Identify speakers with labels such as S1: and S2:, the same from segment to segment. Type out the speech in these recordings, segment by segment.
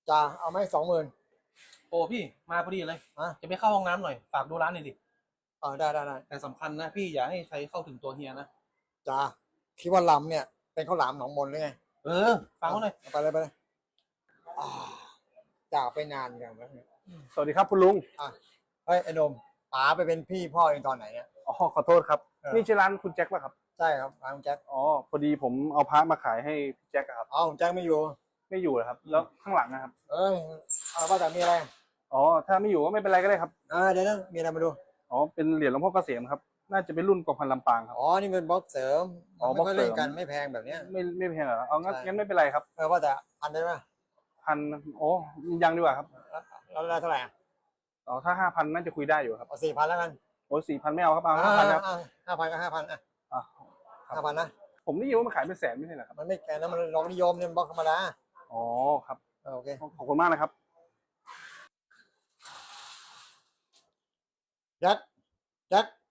S1: จ่าเอาไหม20,000
S2: โอ้พี่มาพอดีเลย
S1: ฮะ
S2: จะไปเข้าห้องน้ำหน่อยฝากดูร้านหน่อยดิ
S1: ได้
S2: แต่สำคัญนะพี่อย่าให้ใครเข้าถึงตัวเฮียนะ
S1: จ่าคิดว่าลำเนี่ยเป็นข้าวหลามหนองมนหรือไง
S2: ฟังเขาหน่อย
S1: ไปเลยอ่าจ่าไปนานอย่างนั้น
S3: สวัสดีครับคุณลุง
S1: เฮ้ยไอ้หนมป๋าไปเป็นพี่พ่อเองตอนไหนเนี่ย
S3: อ๋อขอโทษครับ นี่ใช่ร้านคุณแจ็คป่ะครับ
S1: ใช่ครับร้านคุณแจ็ค
S3: อ๋อพอดีผมเอาพระมาขายให้พี่แจ็คอะครับ
S1: คุณแจ็คไม่อยู่
S3: ไม่อยู่เหรอครับ แล้วข้างหลังนะครับ
S1: เอ้ยว่าแต่มีอะไร
S3: อ๋อถ้าไม่อยู่ก็ไม่เป็นไรก็ได้ครับ
S1: เดี๋ยวนะมีอะไรมาดู
S3: อ๋อเป็นเหรียญหลวงพ่อเกษมครับ น่าจะเป็นรุ่นกองพันลำปางครับ
S1: นี่เป็นบล็อกเสริม ไม่ค่อย
S3: อ๋อบล็อกเสริ
S1: เล่
S3: ม
S1: นกันไม่แพงแบบเนี้ย
S3: ไม่แพงเหรอเอางั้น
S1: ใช่
S3: งั้นไม่เป็นไรครับ
S1: ว่าแต่พันได้ไหม
S3: พันโอ้ยังดีกว่าครับ
S1: แล้วเท่าไหร่
S3: อ๋อถ้า5,000น่าจะคุยได้อยู่ครับ
S1: เอา4,000แล้วกัน
S3: โอ้4,000ไม่เอาครับเอา5,000ครับ
S1: 5,000ก็5,000
S3: อ่ะ
S1: 5,000นะ
S3: ผมได้ยินว่ามันขายเป็นแสนไม่ใช่เหรอครับ
S1: มันไม่แพงนะมันลองนิยมเนี่ยบล็อกธรรมดา
S3: อ๋อครับ
S1: โอเค
S3: ขอบคุณมากนะครับ
S1: แจ็คเ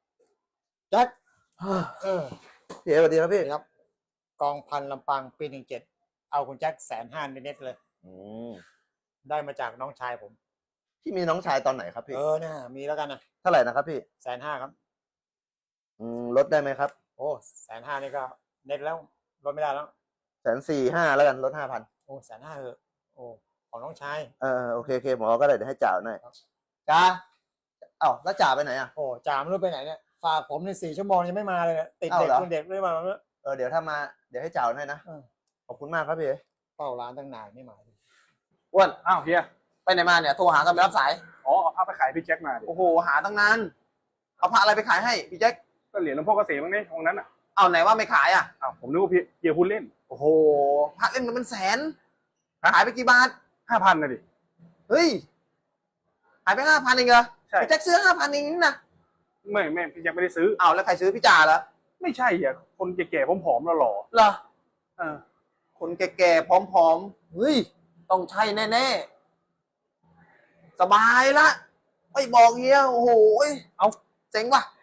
S4: พี่เอ๋สวัสดีครับพี่
S1: ครับกองพันลำปางปี17เอาคุณแจ็ค150,000เน็ตเลย
S4: อืม
S1: ได้มาจากน้องชายผม
S4: พี่มีน้องชายตอนไหนครับพี่
S1: นะมีแล้วกันนะ
S4: เท่าไหร่นะครับพี่
S1: 150,000ครับ
S4: ลดได้ไหมครับ
S1: โอ้150,000นี่ก็เน็ตแล้วลดไม่ได้แล้ว
S4: 145,000แล้วกันลด5,000
S1: โอ้150,000เออโอ้ของน้องชาย
S4: โอเคหมอก็ได้เดี๋ยวให้จ่าหน่อย
S1: ครับ
S4: จ่าแล้วจ่าไปไหนอ่ะ
S1: โอ้จ่าไม่รู้ไปไหนเนี่ยฝากผมใน4 ชั่วโมงยังไม่มาเลยเนี่ยติดเด็ก
S4: เหรอ
S1: คนเด็กไม่มาแล้ว
S4: เดี๋ยวถ้ามาเดี๋ยวให้จ่าให้นะ
S1: เออ
S4: ขอบคุณมากครับพี่เอ๋
S1: เฝ้าร้านตั้งนานไม่มา
S4: อ้วน
S3: อ้าวเฮีย
S4: ไปไหนมาเนี่ยโทรหากันไม่รับสาย
S3: อ๋อเอาพระไปขายพี่แจ็คมาดิ
S4: โอ้โหหาตั้งนานเอาพระอะไรไปขายให้พี่แจ็ค
S3: ก็เหรียญหลวงพ่อเกษมบ้างนี่องค์นั้นอ่ะ
S4: เอาไหนว่าไม่ขายอ่ะ
S3: อ้าวผมนึกว่าพี่เฮียพูดเล่น
S4: โอ้โหพระเล่นมันเป็นแสนขายไปกี่บาท
S3: 5,000นะดิ
S4: เฮ้ยขายไป5,000เองเหรอ
S3: ใช่
S4: พี่แจ็คซื้อ5,000เองนี่นะ
S3: ไม่พี่แจ็คไม่ได้ซื้อ
S4: เอาแล้วใครซื้อพี่จ่าเหรอ
S3: ไม่ใช่อ่ะคนแก่ๆผอมๆหล่อ
S4: เหรอ
S3: ๆเออ
S4: คนแก่ๆผอมๆเฮ้ยต้องใช่แน่ๆสบายละไม่บอกเฮียโอ้โห
S3: เอา
S4: เจ๋งว่ะ